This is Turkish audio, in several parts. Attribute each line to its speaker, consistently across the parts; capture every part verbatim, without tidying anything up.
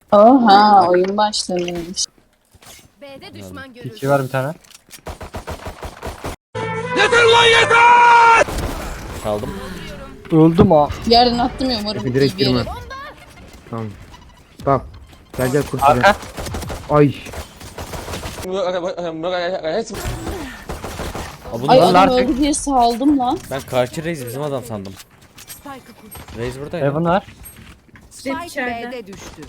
Speaker 1: Oha oyun başlamış.
Speaker 2: B'de düşman görüldü.
Speaker 3: İki var bir tane.
Speaker 4: Çaldım.
Speaker 3: Öldüm ha.
Speaker 1: Yerden attım ya umarım
Speaker 5: Efe direkt
Speaker 1: iyi bir yere.
Speaker 5: girme. Tamam. Bak. Gel gel kurtar.
Speaker 3: Arka.
Speaker 5: Ay.
Speaker 4: Aa,
Speaker 1: Ay
Speaker 4: bunlar
Speaker 1: adam öldü diye saldım lan.
Speaker 4: ben karşı Reis bizim adam sandım.
Speaker 2: Spike'ı kur.
Speaker 4: Reis buradaydı.
Speaker 3: Heaven var.
Speaker 2: Spike B'de düştü.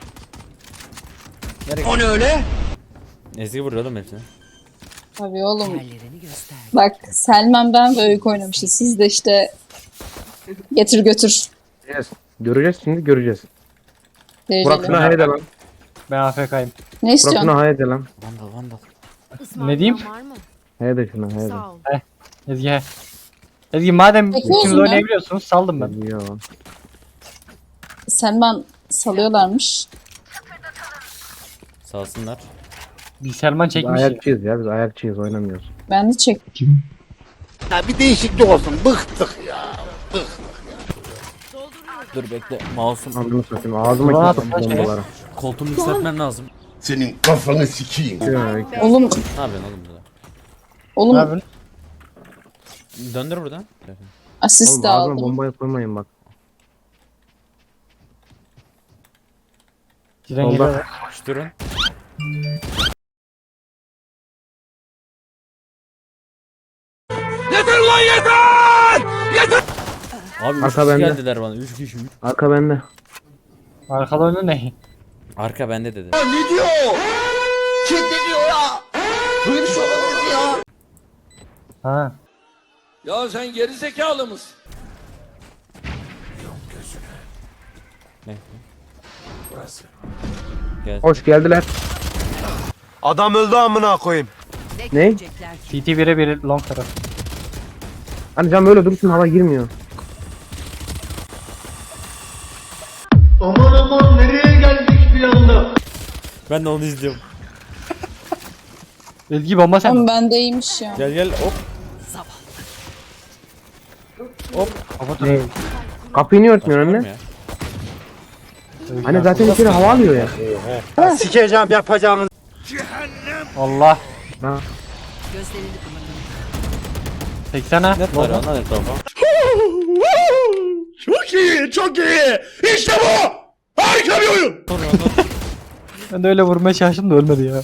Speaker 4: Ezgi vuruyor oğlum hepsini.
Speaker 1: Tabii oğlum.
Speaker 2: Hallerini göster.
Speaker 1: Bak Selman ben ve Öykü oynamışız. Siz de işte getir götür.
Speaker 5: Göreceğiz. Göreceğiz şimdi göreceğiz. Burak
Speaker 1: Dereceli.
Speaker 5: şuna haydi lan.
Speaker 3: Ben A F K'yim.
Speaker 1: Ne
Speaker 5: Burak
Speaker 1: istiyorsun?
Speaker 5: şuna haydi lan.
Speaker 4: Vandal vandal.
Speaker 3: Ne diyeyim?
Speaker 2: Var mı?
Speaker 5: Haydi şuna haydi.
Speaker 2: Sağ ol.
Speaker 3: Ezgi he. Ezgi madem
Speaker 1: Peki
Speaker 3: ikiniz
Speaker 1: olsun ya.
Speaker 3: oynayabiliyorsunuz saldım ben.
Speaker 5: Ya.
Speaker 1: Selman salıyorlarmış.
Speaker 4: Salsınlar.
Speaker 3: Bir Selman
Speaker 5: Biz
Speaker 3: çekmiş. ya.
Speaker 5: ayakçıyız ya biz ayakçıyız oynamıyoruz.
Speaker 1: Ben de çek.
Speaker 4: Dur bekle. Mouse'um.
Speaker 5: Anladın satayım ağzıma
Speaker 3: Ulan
Speaker 5: çıktım
Speaker 3: atma şey.
Speaker 5: bombaları.
Speaker 4: Koltuğumu yükseltmem lazım.
Speaker 6: Senin kafanı sikeyim.
Speaker 5: Ya,
Speaker 1: Oğlum,
Speaker 4: Ne yapıyorsun oğlum burada?
Speaker 1: oğlum
Speaker 3: Ne yapıyorsun?
Speaker 4: Döndür buradan.
Speaker 1: asist
Speaker 5: Oğlum
Speaker 1: de
Speaker 5: ağzıma
Speaker 1: aldım.
Speaker 5: bombayı koymayın bak.
Speaker 3: Giren
Speaker 5: Solda.
Speaker 3: geliyor.
Speaker 4: Koşturun. Abi üç
Speaker 5: Arka
Speaker 4: kişi
Speaker 5: bende.
Speaker 4: geldiler bana. Üç kişi. üç.
Speaker 5: Arka bende.
Speaker 3: Arkada oyunu ne?
Speaker 4: Arka bende dedi.
Speaker 6: Ne diyor? Kim ne diyor ya? Böyle bir şey olabilir ya.
Speaker 3: Ha.
Speaker 7: Ya sen geri zekalı mısın?
Speaker 4: Ne? Gel.
Speaker 5: Hoş geldiler.
Speaker 6: Adam öldü amına koyayım.
Speaker 5: Ne?
Speaker 3: C T bire biri long taraf.
Speaker 5: Hani cam böyle dursun hava girmiyor.
Speaker 6: Aman aman nereye geldik bir anda?
Speaker 4: Ben de onu izliyorum.
Speaker 3: Ezgi bomba sen.
Speaker 1: Oğlum bendeymiş ya.
Speaker 4: Gel gel hop.
Speaker 3: Kapat
Speaker 5: Ne? Kapıyı niye örtmüyor
Speaker 4: Açıyorum
Speaker 5: anne?
Speaker 4: ya.
Speaker 5: Hani zaten içeri hava alıyor ya.
Speaker 6: Sikeceğim yapacağınız.
Speaker 3: Allah.
Speaker 5: Ha.
Speaker 2: Gözlerini kapatın.
Speaker 3: seksen ha.
Speaker 4: Ne var lan etrafa?
Speaker 6: Çok iyi çok iyi. İşte bu. Harika bir oyun.
Speaker 3: Ben de öyle vurmaya çalıştım da ölmedi ya.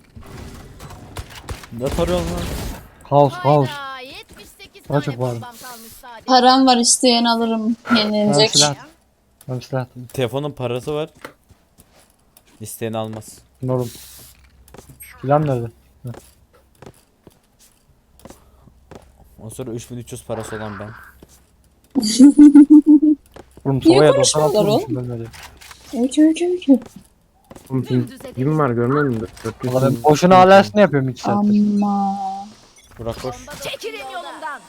Speaker 4: Ne tarıyorsun lan?
Speaker 3: Kaos kaos.
Speaker 2: Hayda, yetmiş sekiz
Speaker 3: Daha
Speaker 2: tane
Speaker 3: çok var.
Speaker 2: bombam kalmış sadece.
Speaker 1: Param var isteyen alırım.
Speaker 3: Ben
Speaker 1: Yenilecek.
Speaker 3: silah. Ben silah attım.
Speaker 4: Telefonun parası var. İsteyen almaz.
Speaker 3: Ne oğlum? Silah nerede?
Speaker 4: O sonra üç bin üç yüz parası olan ben.
Speaker 3: Oğlum
Speaker 1: Niye
Speaker 3: sovaya
Speaker 1: konuşmuyorlar
Speaker 3: doksan altı
Speaker 1: oğlum?
Speaker 3: vurmuşum ölmedi.
Speaker 1: Öykü öykü öykü.
Speaker 5: Oğlum ping gibi var görmüyor musun?
Speaker 3: Valla ben boşuna alasını yapıyorum iki saattir.
Speaker 1: Ama.
Speaker 4: Burak koş.
Speaker 2: Çekilin yolumdan.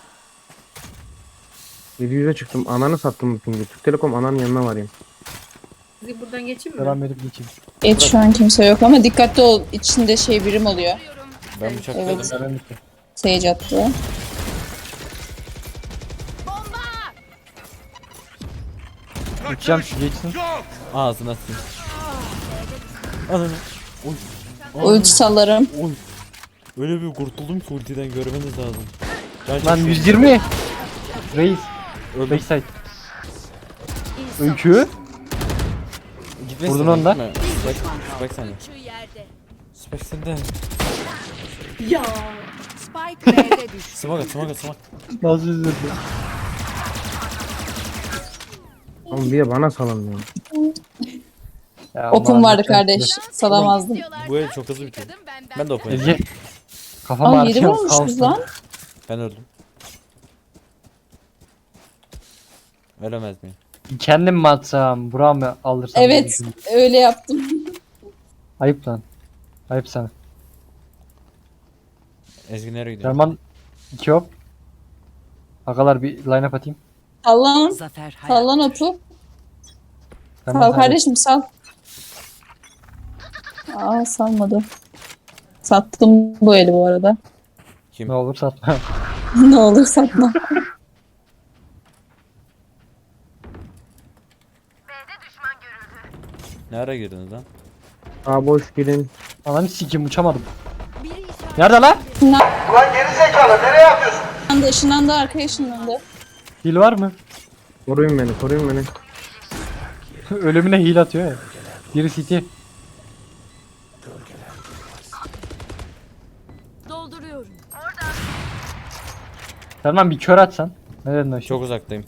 Speaker 5: yedi yüze çıktım. Ananı sattım bu pingi. Türk Telekom ananın yanına varayım.
Speaker 8: Buradan geçeyim mi?
Speaker 3: Selam verip geçeyim.
Speaker 1: Evet şu an kimse yok ama dikkatli ol. İçinde şey birim oluyor.
Speaker 4: Ben bıçakladım.
Speaker 1: Evet.
Speaker 3: Selam bitti.
Speaker 1: Sage attı.
Speaker 3: Uçacağım şu geçsin.
Speaker 4: Ağzına sil. Ananı. Oy.
Speaker 1: Ulti sallarım.
Speaker 4: Oy. Öyle bir kurtuldum ki ultiden görmeniz lazım. Can
Speaker 3: Lan
Speaker 4: çekişiyor.
Speaker 3: yüz yirmi. Reis.
Speaker 4: Öldüm.
Speaker 3: Backside. Öykü.
Speaker 4: Gitme
Speaker 3: Vurdun
Speaker 4: sen,
Speaker 3: onu da.
Speaker 4: gitme. Spike, spike sende.
Speaker 2: Şu yerde.
Speaker 4: Spike sende.
Speaker 8: Ya.
Speaker 2: Spike B'de düştü.
Speaker 4: Smoke at smoke at smoke.
Speaker 3: Nasıl üzüldü?
Speaker 5: Oğlum bir de bana salın ya.
Speaker 3: Ya
Speaker 1: Okum
Speaker 3: aman,
Speaker 1: vardı
Speaker 3: lütfen.
Speaker 1: kardeş. Salamazdım.
Speaker 4: Bu el çok hızlı bitiyor. Ben de okuyayım.
Speaker 3: Ezgi. Kafam
Speaker 1: Aa yedi
Speaker 3: ağrıyor.
Speaker 1: vurmuşuz lan.
Speaker 4: Ben öldüm. Ölemez miyim?
Speaker 3: Kendim mi atsam? Burak'ı mı alırsam? diye
Speaker 1: Evet
Speaker 3: düşündüm.
Speaker 1: öyle yaptım.
Speaker 3: Ayıp lan. Ayıp sana.
Speaker 4: Ezgi nereye gidiyor?
Speaker 3: Derman iki hop. Agalar bir line up atayım.
Speaker 1: Sallan.
Speaker 2: Zafer hayat.
Speaker 1: Sallan otu.
Speaker 3: Derman
Speaker 1: Sal
Speaker 3: hadi.
Speaker 1: kardeşim sal. Aa salmadı. Sattım bu eli bu arada.
Speaker 4: Kim?
Speaker 3: Ne olur satma.
Speaker 1: Ne olur satma.
Speaker 4: Ne ara girdiniz lan?
Speaker 5: Aa boş girin.
Speaker 3: Ananı sikeyim uçamadım.
Speaker 2: Biri işaret.
Speaker 3: Nerede lan?
Speaker 6: Ulan geri zekalı nereye yapıyorsun?
Speaker 1: Işınlandı, ışınlandı, arkaya ışınlandı.
Speaker 3: Heal var mı?
Speaker 5: Koruyun beni koruyun beni.
Speaker 3: Ölümüne heal atıyor ya. Biri city.
Speaker 2: Dolduruyorum.
Speaker 3: Tamam bir kör atsan. Ne dedin o şey?
Speaker 4: Çok uzaktayım.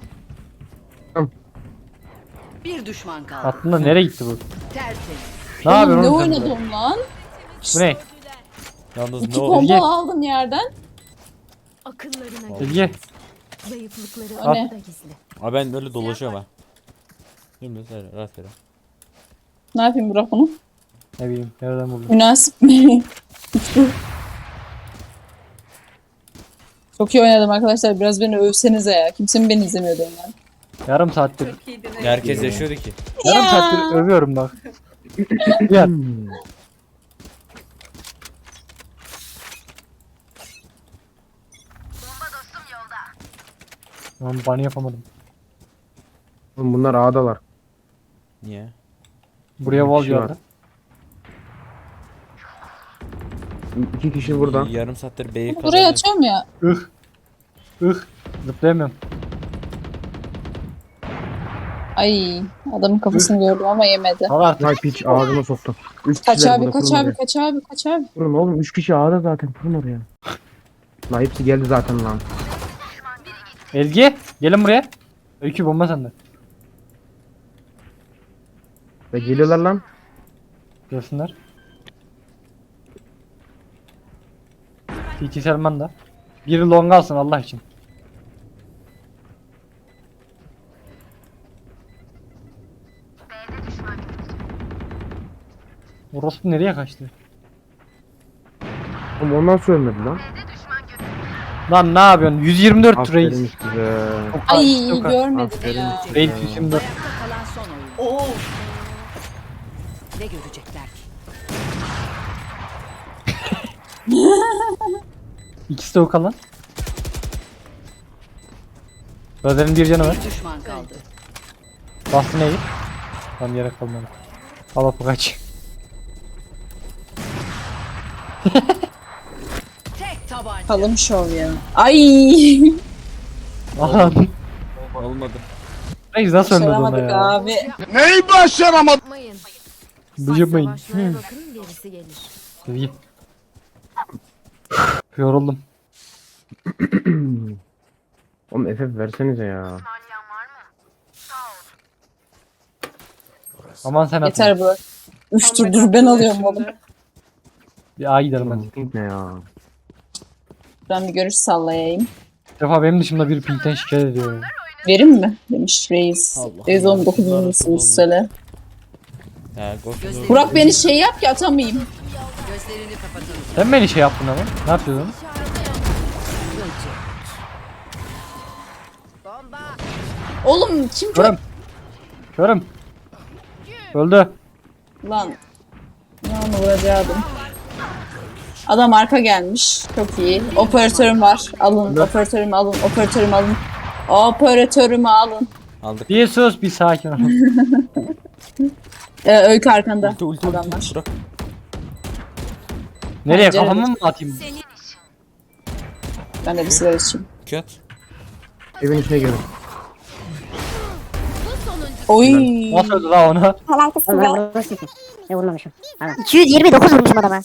Speaker 2: Bir düşman kaldı.
Speaker 3: Aklında nereye gitti bu?
Speaker 2: Tertemiz.
Speaker 3: Ne
Speaker 1: Oğlum,
Speaker 3: yapıyorsun
Speaker 1: ne
Speaker 3: oğlum sen burada?
Speaker 1: oynadım lan?
Speaker 3: Bu ne?
Speaker 4: Yalnız
Speaker 1: İki
Speaker 4: ne oldu?
Speaker 3: Bilge.
Speaker 1: combo aldım yerden.
Speaker 2: Akıllarına
Speaker 3: Bilge.
Speaker 2: zayıflıkları
Speaker 1: O ne?
Speaker 2: orada gizli.
Speaker 4: Abi ben böyle dolaşıyorum ha. Şimdi söyle rastgele.
Speaker 1: Ne yapayım Burak bunu?
Speaker 3: Ne bileyim nereden buldun?
Speaker 1: Münasip mi? Çok iyi oynadım arkadaşlar. Biraz beni övsenize ya. Kimse mi beni izlemiyordu yani?
Speaker 3: Yarım saattir.
Speaker 8: Çok iyiydin.
Speaker 4: Herkes yaşıyordu ki.
Speaker 3: Yarım
Speaker 1: Ya.
Speaker 3: saattir övüyorum bak. Gel. Lan bana yapamadım.
Speaker 5: Oğlum bunlar A'dalar.
Speaker 4: Niye?
Speaker 3: Buraya
Speaker 5: Bir
Speaker 3: wall
Speaker 5: kişi var.
Speaker 3: geldi.
Speaker 5: İki kişi burada.
Speaker 4: Yarım saattir B'yi
Speaker 1: Buraya
Speaker 4: kazanıyor.
Speaker 1: atıyorum ya.
Speaker 3: Ih. Ih. Zıplayamıyorum.
Speaker 1: Ay adamın kafasını gördüm ama yemedi.
Speaker 3: Al artık.
Speaker 5: Vay piç ağzıma soktu. Üç
Speaker 1: Kaç
Speaker 5: kişiler
Speaker 1: abi
Speaker 5: burada,
Speaker 1: kaç
Speaker 5: kurun
Speaker 1: abi
Speaker 5: oraya.
Speaker 1: kaç abi kaç abi.
Speaker 5: Kurun oğlum üç kişi A'da zaten kurun oraya. Lan hepsi geldi zaten lan.
Speaker 3: Ezgi gelin buraya. Öykü bomba sende.
Speaker 5: Ve geliyorlar lan.
Speaker 3: Görsünler. T T Selman da. Biri long alsın Allah için. Orospu nereye kaçtı?
Speaker 5: Oğlum ondan söylemedi lan.
Speaker 3: Lan ne yapıyorsun? yüz yirmi dört reis.
Speaker 5: Aferin size.
Speaker 1: Ay
Speaker 3: Çok az.
Speaker 1: görmedim
Speaker 5: Aferin.
Speaker 1: ya.
Speaker 3: Reis yüz yirmi dört.
Speaker 2: Ayakta kalan son oyun.
Speaker 8: Oo.
Speaker 2: Ne görecekler ki?
Speaker 3: İkisi de o kalan. Razer'in bir canı var.
Speaker 2: Bir düşman kaldı.
Speaker 3: Bastı neyi? Tam yere kalmadı. Al apı kaç.
Speaker 2: Tek tabanca.
Speaker 1: Kalım şov ya. Ay.
Speaker 3: Aha.
Speaker 4: Olmadı.
Speaker 3: Reis nasıl ölmedi ona
Speaker 1: Başaramadık
Speaker 3: ya?
Speaker 1: abi.
Speaker 6: Neyi başaramadın?
Speaker 2: Yapmayın.
Speaker 3: Bıcırmayın.
Speaker 2: Savaşmaya bakın gerisi gelir.
Speaker 3: İyi. Yoruldum.
Speaker 5: Oğlum F F versenize ya.
Speaker 3: Aman sen atma.
Speaker 1: Yeter Burak. Üç tur dur ben alıyorum oğlum.
Speaker 3: Bir A gidelim hadi.
Speaker 5: Oğlum pink ne ya?
Speaker 1: Ben bir görüş sallayayım.
Speaker 3: Bir defa benim dışımda bir pinkten şikayet ediyor ya.
Speaker 1: Verim mi? Demiş Reis.
Speaker 4: Allah
Speaker 1: Reis
Speaker 4: Allah.
Speaker 1: on dokuzuncusunuz söyle.
Speaker 4: He Ghost
Speaker 1: Burak beni şey yap ki atamayayım.
Speaker 2: Gözlerini kapatın.
Speaker 3: Sen beni şey yaptın ama. Ne yapıyordun?
Speaker 2: Bomba.
Speaker 1: Oğlum kim
Speaker 3: Körüm. Körüm. Öldü.
Speaker 1: Lan. Ne onu vuracaktım. Adam arka gelmiş. Çok iyi. Operatörüm var. Alın. Operatörümü alın. Operatörümü alın. Operatörümü alın.
Speaker 4: aldık.
Speaker 3: Bir sus bir sakin ol.
Speaker 1: Ee, öykü arkanda.
Speaker 4: Ulti ulti
Speaker 1: Adamlar.
Speaker 4: ulti. Bırak.
Speaker 3: Nereye
Speaker 1: Pencerede.
Speaker 3: kafamı mı atayım?
Speaker 1: Ben de bir sigara içeyim.
Speaker 4: Kat.
Speaker 5: Evin içine girin.
Speaker 1: Oy.
Speaker 3: Nasıl öldü la ona?
Speaker 9: Helal kız size. Ben vurmuşum. Ne vurmamışım. Pardon. iki yüz yirmi dokuz vurmuşum adama.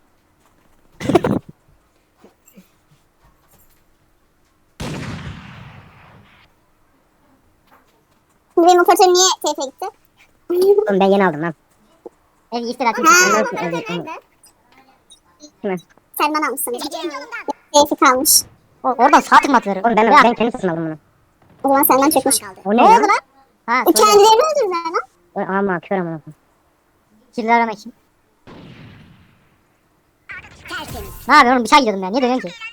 Speaker 9: Benim operatör niye T F'e gitti? Oğlum ben yeni aldım lan. Ev iftira atmış. Ha, nerede? Kime? Selman almışsın. T F'i kalmış. O, oradan sağ tık mı atılır? Oğlum ben, ben kendim satın aldım bunu. O zaman senden çökmüş. O ne, ne oldu lan? Ha, o kendilerini öldürdüler lan. O, ama kör ama. Kirli arama kim? Ne yapıyorsun oğlum? Bir şey gidiyordum ben. Niye dönüyorsun ki?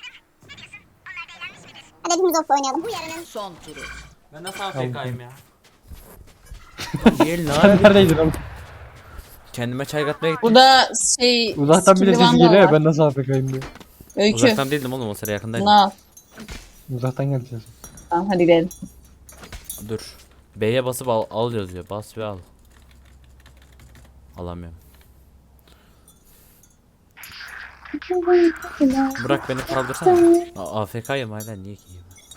Speaker 9: Hadi hepimiz offla oynayalım. Bu yarının
Speaker 2: Son turu.
Speaker 4: Ben nasıl A F K'yım ya? Gel
Speaker 3: Sen neredeydin oğlum?
Speaker 4: Kendime çay katmaya gittim.
Speaker 1: Burada şey...
Speaker 3: Uzaktan bile
Speaker 1: skilli
Speaker 3: sesi
Speaker 1: vandal
Speaker 3: geliyor ya
Speaker 1: var.
Speaker 3: ben nasıl A F K'yim diye.
Speaker 1: Öykü.
Speaker 4: Uzaktan değildim oğlum o sıra yakındaydım.
Speaker 1: Bunu al.
Speaker 3: Uzaktan geldi ses.
Speaker 1: Tamam hadi gidelim.
Speaker 4: Dur. B'ye basıp al, al yazıyor. Bas ve al. Alamıyorum. Bırak beni kaldırsana. A- AFK'yım hala niye ki?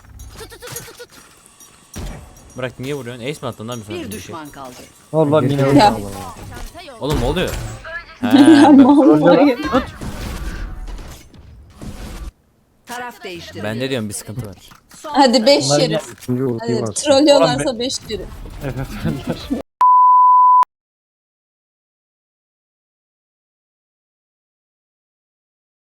Speaker 4: Bırak niye vuruyorsun? Ace mi attın lan bir sonra?
Speaker 2: Bir düşman kaldı.
Speaker 3: Allah yine
Speaker 5: Ya.
Speaker 3: öldü.
Speaker 4: Oğlum ne oluyor? He,
Speaker 1: Ya
Speaker 4: ben,
Speaker 1: vallahi.
Speaker 2: Taraf değişti.
Speaker 4: ben ne diyorum bir sıkıntı var.
Speaker 1: Hadi beş
Speaker 3: Bunlar
Speaker 1: yeri.
Speaker 3: yine
Speaker 5: Şimdi ultiyi
Speaker 1: Hadi
Speaker 5: var.
Speaker 1: trollüyorlarsa beş yeri.
Speaker 3: F F M'ler.